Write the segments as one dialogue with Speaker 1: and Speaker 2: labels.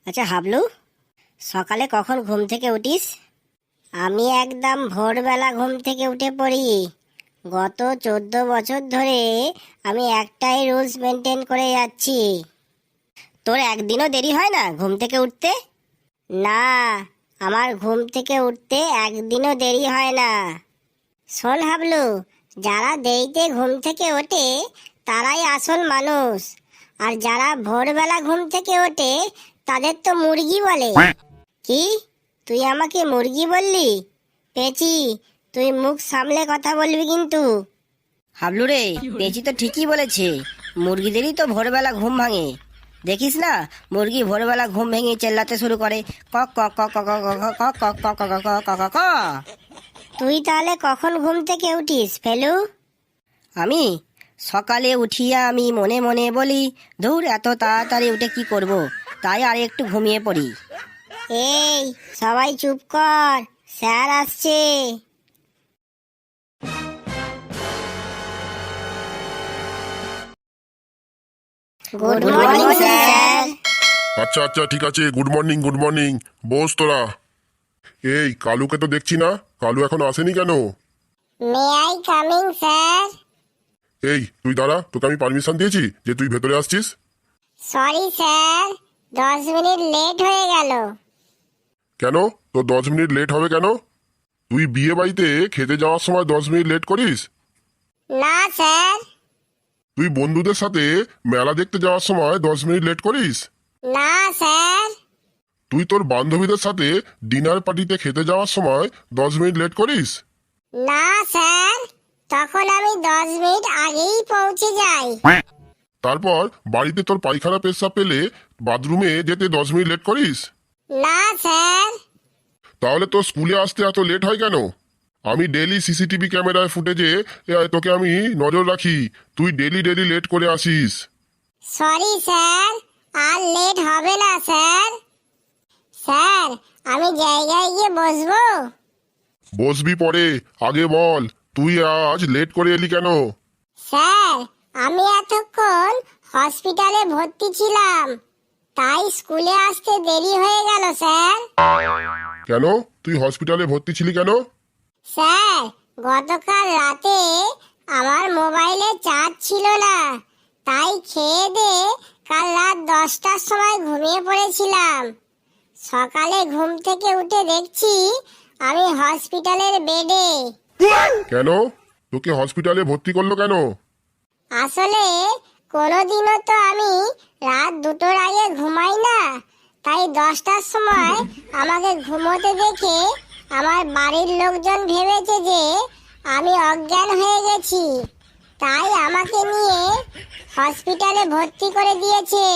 Speaker 1: আচ্ছা হাবলু, সকালে কখন ঘুম থেকে উঠিস? আমি একদম ভোরবেলা ঘুম থেকে উঠে পড়ি। গত 14 বছর ধরে আমি একটাই রুলস মেনটেন করে যাচ্ছি। তোর একদিনও দেরি হয় না ঘুম থেকে উঠতে? না, আমার ঘুম থেকে উঠতে একদিনও দেরি হয় না। শোন হাবলু, যারা দেরিতে ঘুম থেকে ওঠে তারাই আসল মানুষ, আর যারা ভোরবেলা ঘুম থেকে ওঠে তাদের তো মুরগি বলে। কি, তুই আমাকে মুরগি বললি? পেঁচি, তুই মুখ সামলে কথা বলবি কিন্তু। হাবলু রে, পেঁচি তো ঠিকই বলেছে, মুরগিদেরই তো ভোরবেলা ঘুম ভাঙে। দেখিস না, মুরগি ভোরবেলা ঘুম ভেঙে চেল্লাতে শুরু করে, কক কক কক কক কক কক কক কক কক কক কক কক। তুই তাহলে কখন ঘুম থেকে উঠিস ফেলু? আমি সকালে উঠিয়া আমি মনে মনে বলি, ধুর এত তাড়াতাড়ি উঠে কি করব, তাই আর একটু ঘুমিয়ে পড়ি। এই সবাই চুপ কর, স্যার আসছে। Good morning sir.
Speaker 2: আচ্ছা আচ্ছা, ঠিক আছে, গুড মর্নিং গুড মর্নিং। বস তোরা। এই কালুকে তো দেখছি না, কালু এখন আসেনি কেন?
Speaker 1: May I coming sir?
Speaker 2: এই তুই দাঁড়া, তোকে আমি পারমিশন দিয়েছি যে তুই ভেতরে আসছিস।
Speaker 1: সরি স্যার, 10 মিনিট লেট হয়ে গেল।
Speaker 2: কেন তোর 10 মিনিট লেট হবে কেন? তুই বিয়ে বাড়িতে খেতে যাওয়ার সময় 10 মিনিট লেট করিস?
Speaker 1: না স্যার।
Speaker 2: তুই বন্ধুদের সাথে মেলা দেখতে যাওয়ার সময় 10 মিনিট লেট করিস?
Speaker 1: না স্যার।
Speaker 2: তুই তোর বান্ধবীদের সাথে ডিনার পার্টিতে খেতে যাওয়ার সময় 10 মিনিট লেট করিস?
Speaker 1: না স্যার, তখন আমি 10 মিনিট আগেই পৌঁছে যাই।
Speaker 2: তারপর বাড়িতে তোর পায়খানা পেশাব পেলে বাথরুমে যেতে 10 মিনিট লেট করিস?
Speaker 1: না স্যার।
Speaker 2: তাহলে তোর স্কুলে আসতে এত লেট হয় কেন? আমি ডেলি সিসিটিভি ক্যামেরায় ফুটেজে তোকে আমি নজর রাখি, তুই ডেলি ডেলি লেট করে আসিস।
Speaker 1: সরি স্যার, আর লেট হবে না স্যার। স্যার, আমি জায়গায় গিয়ে বসবো?
Speaker 2: বসবি পরে, আগে বল তুই আজ লেট করে এলি কেন?
Speaker 1: স্যার, আমি এতক্ষণ হসপিটালে ভর্তি ছিলাম, তাই স্কুলে আসতে দেরি হয়ে গেল স্যার।
Speaker 2: কেন তুই হসপিটালে ভর্তি ছিলি কেন?
Speaker 1: স্যার, গতকাল রাতে আমার মোবাইলে চার্জ ছিল না, তাই খেয়ে দিয়ে কাল রাত 10টার সময় ঘুমিয়ে পড়েছিলাম। সকালে ঘুম থেকে উঠে দেখছি আমি হসপিটালের বেডে।
Speaker 2: কেন তোকে হসপিটালে ভর্তি করলো কেন?
Speaker 1: আসলে কোনোদিনও তো আমি রাত 2টোর আগে ঘুমাই না, তাই 10টার সময় আমাকে ঘুমোতে দেখে আমার বাড়ির লোকজন ভেবেছে যে আমি অজ্ঞান হয়ে গেছি, তাই আমাকে নিয়ে হসপিটালে ভর্তি করে দিয়েছে।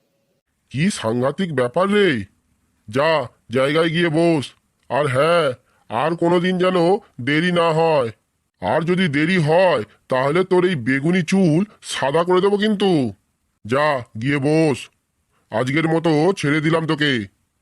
Speaker 2: কি সাংঘাতিক ব্যাপার রে। যা, জায়গায় গিয়ে বস। আর হ্যাঁ, আর কোনোদিন যেন দেরি না হয়। আর যদি দেরি হয় তাহলে তোর এই বেগুনি চুল সাদা করে দেবো কিন্তু। যা গিয়ে বস, আজকের মতো ছেড়ে দিলাম তোকে।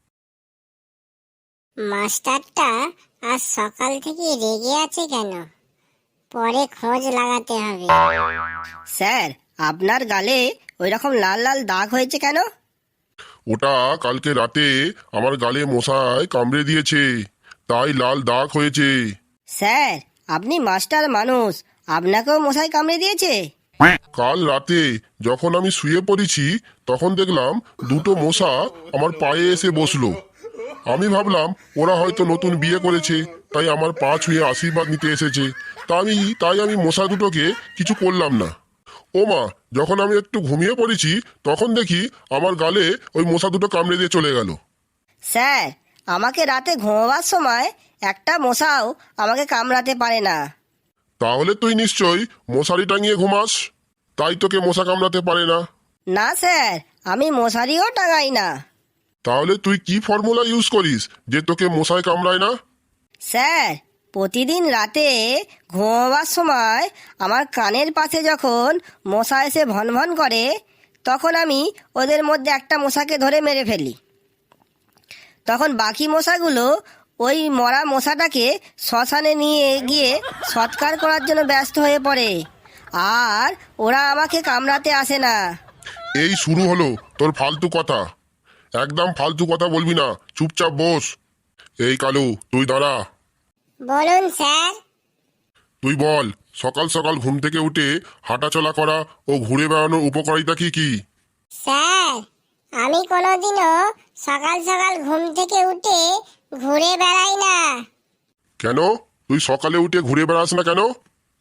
Speaker 1: মাস্টারটা আজ সকাল থেকে রেগে আছে কেন? পরে খোঁজ লাগাতে হবে। স্যার, আপনার গালে ওই রকম লাল লাল দাগ হয়েছে কেন?
Speaker 2: ওটা কালকে রাতে আমার গালে মশায় কামড়ে দিয়েছে, তাই লাল দাগ হয়েছে।
Speaker 1: স্যার, আপনি মাস্টার মানুষ, আপনাকেও মশাই কামড়ে দিয়েছে?
Speaker 2: কাল রাতে যখন আমি শুয়ে পড়েছি তখন দেখলাম দুটো মশা আমার পায়ে এসে বসলো। আমি ভাবলাম ওরা হয়তো নতুন বিয়ে করেছে, তাই আমার পা ছুঁয়ে আশীর্বাদ নিতে এসেছে। তাই আমি মশা দুটোকে কিছু করলাম না। ও মা, যখন আমি একটু ঘুমিয়ে পড়েছি তখন দেখি আমার গালে ওই মশা দুটো কামড়ে দিয়ে চলে গেল।
Speaker 1: স্যার, আমাকে রাতে ঘুমাবার সময় একটা মশাও আমাকে কামড়াতে পারে না।
Speaker 2: তাহলে তুই নিশ্চয়ই মশারি টাঙিয়ে ঘুমাস, তাই তোকে মশা কামড়াতে পারে না।
Speaker 1: না স্যার, আমি মশারিও টাঙাই না।
Speaker 2: তাহলে তুই কি ফর্মুলা ইউজ করিস যে তোকে মশায় কামড়ায় না?
Speaker 1: স্যার, প্রতিদিন রাতে ঘুমাবার সময় আমার কানের পাশে যখন মশা এসে ভন ভন করে, তখন আমি ওদের মধ্যে একটা মশাকে ধরে মেরে ফেলি। তখন বাকি মশাগুলো ওই মরা মশাটাকে শ্মশানে নিয়ে গিয়ে সৎকার করার জন্য ব্যস্ত হয়ে পড়ে, আর ওরা আমাকে কামড়াতে আসে না।
Speaker 2: এই শুরু হলো তোর ফালতু কথা। একদম ফালতু কথা বলবি না, চুপচাপ বস। এই কালু, তুই দাঁড়া।
Speaker 1: বলুন স্যার।
Speaker 2: তুই বল, সকাল সকাল ঘুম থেকে উঠে হাঁটাচলা করা ও ঘুরে বেড়ানোর উপকারিতা কি কি?
Speaker 1: স্যার, আমি কোনোদিনও সকাল সকাল ঘুম থেকে উঠে ঘুরে বেড়াই না।
Speaker 2: কেন? তুই সকালে উঠে ঘুরে বেড়াস না কেন?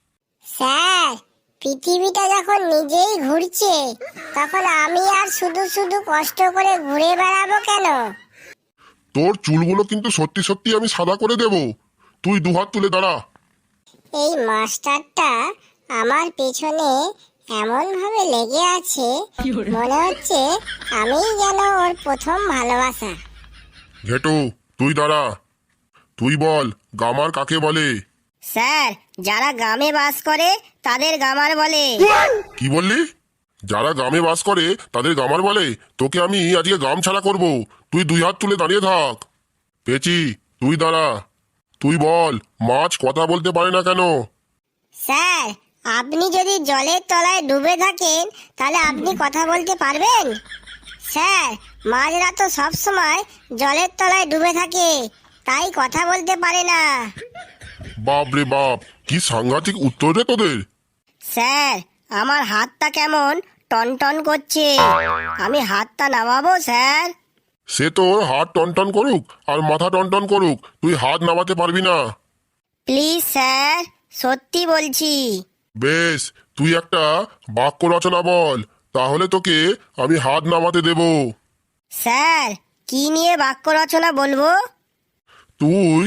Speaker 1: স্যার, পৃথিবীটা যখন নিজেই ঘুরছে তখন আমি আর শুধু শুধু কষ্ট করে ঘুরে বেড়াবো কেন?
Speaker 2: তোর চুলগুলো কিন্তু সত্যি সত্যি আমি সাদা করে দেব। তুই দুহাত তুলে দাঁড়া।
Speaker 1: এই মাস্টারটা আমার পেছনে এমন ভাবে লেগে আছে, মনে হচ্ছে আমিই যেন ওর প্রথম ভালোবাসা।
Speaker 2: ঘেটু, তুই দাঁড়া। তুই বল, গামার কাকে বলে?
Speaker 1: স্যার, যারা গ্রামে বাস করে তাদের গামার বলে।
Speaker 2: কি বললি? যারা গ্রামে বাস করে তাদের গামার বলে? তোকে আমি আজকে গ্রাম ছাড়া করব। তুই দুই হাত তুলে দাঁড়িয়ে থাক। পেচি, তুই দাঁড়া। তুই বল, মাছ কথা বলতে পারে না কেন?
Speaker 1: স্যার, আপনি যদি জলের তলায় ডুবে থাকেন তাহলে আপনি কথা বলতে পারবেন? স্যার, মাছরা তো সবসময় জলের তলায় ডুবে থাকে, তাই কথা বলতে পারে না।
Speaker 2: বাপ রে বাপ, কি সাংঘাতিক উত্তর রে তোদের।
Speaker 1: স্যার, আমার হাতটা কেমন টনটন করছে, আমি হাতটা নামাবো স্যার?
Speaker 2: সে তোর হাত টনটন করুক আর মাথা টনটন করুক, তুই হাত নামাতে পারবি না।
Speaker 1: প্লিজ স্যার, সত্যি বলছি।
Speaker 2: বেশ, তুই একটা বাক্য রচনা বল, তাহলে তোকে আমি হাত নামাতে দেব।
Speaker 1: স্যার, কি নিয়ে বাক্য রচনা বলবো?
Speaker 2: তুই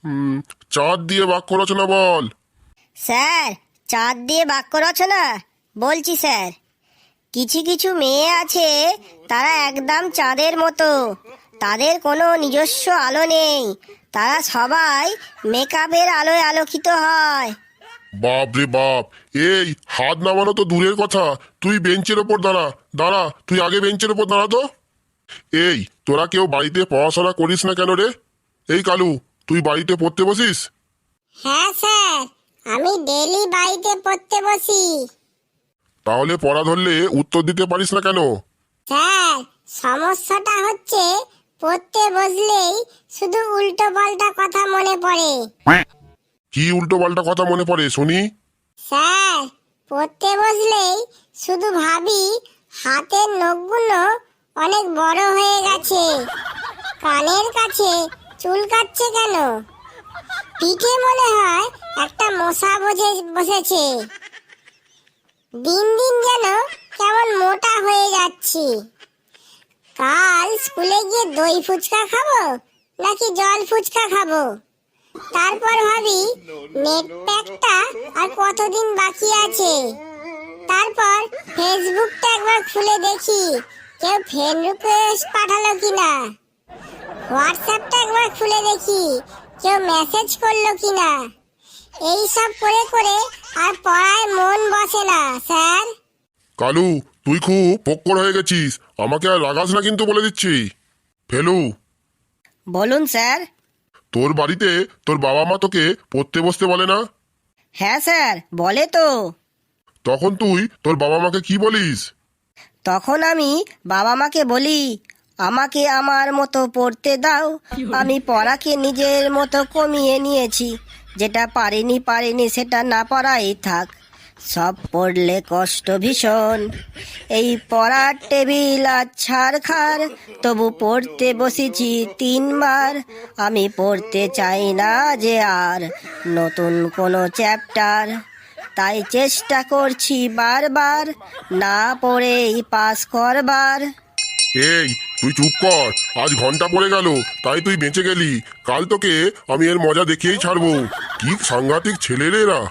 Speaker 2: চাঁদ দিয়ে বাক্য রচনা বল।
Speaker 1: স্যার, চাঁদ দিয়ে বাক্য রচনা বলছি স্যার। কিছু কিছু মেয়ে আছে, তারা একদম চাঁদের মতো, তাদের কোনো নিজস্ব আলো নেই, তারা সবাই মেকআপের আলোয় আলোকিত হয়।
Speaker 2: বাপ রে বাপ, এই হাত নামানো তো দূরের কথা, তুই বেঞ্চের ওপর দাঁড়া। দাঁড়া, তুই আগে বেঞ্চের ওপর দাঁড়া তো। এই, তোরা কেউ বাড়িতে পড়াশোনা করিস না কেন রে? এই কালু, তুই বাড়িতে পড়তে বসিস?
Speaker 1: হ্যাঁ স্যার, আমি ডেইলি বাড়িতে পড়তে বসি।
Speaker 2: তাহলে পড়া ধরলে উত্তর দিতে পারিস না কেন?
Speaker 1: স্যার, সমস্যাটা হচ্ছে পড়তে বসলেই শুধু উল্টো পাল্টা কথা মনে পড়ে।
Speaker 2: কি উল্টো পাল্টা কথা মনে পড়ে শুনি?
Speaker 1: স্যার, পড়তে বসলেই শুধু ভাবি হাতের নখগুলো অনেক বড় হয়ে গেছে, কানের কাছে চুলকাচ্ছে কেন, পিঠে মনে হয় একটা মশা বসেছে, দিন দিন যেন কেমন মোটা হয়ে যাচ্ছি। কাল স্কুলে গিয়ে দই ফুচকা খাবো নাকি জল ফুচকা খাবো? তারপর ভাবি নেট প্যাকটা আর কতদিন বাকি আছে। তারপর ফেসবুকটা একবার খুলে দেখি কেউ ফ্রেন্ড রিকোয়েস্ট পাঠালো কিনা, হোয়াটসঅ্যাপটা একবার খুলে দেখি কেউ মেসেজ করলো কিনা। এই সব করে করে আর পড়ায় মন বসে না স্যার।
Speaker 2: কালু, তুই খুব পোক্কর হয়ে গেছিস, আমাকে আর রাগাস না কিন্তু বলে দিচ্ছি। ফেলু,
Speaker 1: বলুন স্যার।
Speaker 2: তোর বাড়িতে তোর বাবা মা তোকে পড়তে বসতে বলে না?
Speaker 1: হ্যাঁ স্যার, বলে তো।
Speaker 2: তখন তুই তোর বাবা মাকে কি বলিস?
Speaker 1: তখন আমি বাবা মাকে বলি, আমাকে আমার মতো পড়তে দাও, আমি পড়াকে নিজের মতো কমিয়ে নিয়েছি, যেটা পারিনি সেটা না পড়াই থাক, সব পড়লে কষ্ট ভীষণ, এই পড়ার টেবিল আর ছাড়খার, তবু পড়তে বসেছি 3 বার, আমি পড়তে চাই না যে আর নতুন কোনো চ্যাপ্টার, তাই চেষ্টা করছি বারবার না পড়েই পাস করবার।
Speaker 2: এই, তুই চুপ কর। আজ ঘন্টা পড়ে গেল তাই তুই বেঁচে গেলি, কাল তোকে আমি এর মজা দেখিয়েই ছাড়বো। কি সাংঘাতিক ছেলে রে এরা।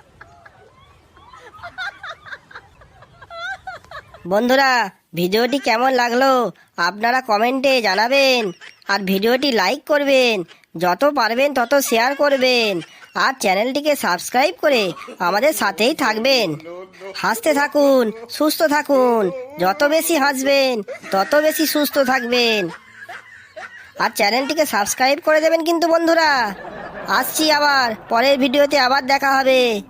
Speaker 1: বন্ধুরা, ভিডিওটি কেমন লাগলো আপনারা কমেন্টে জানাবেন, আর ভিডিওটি লাইক করবেন, যত পারবেন তত শেয়ার করবেন, আর চ্যানেলটিকে সাবস্ক্রাইব করে আমাদের সাথেই থাকবেন। হাসতে থাকুন, সুস্থ থাকুন, যত বেশি হাসবেন তত বেশি সুস্থ থাকবেন, আর চ্যানেলটিকে সাবস্ক্রাইব করে দেবেন কিন্তু বন্ধুরা। আসছি আবার পরের ভিডিওতে, আবার দেখা হবে।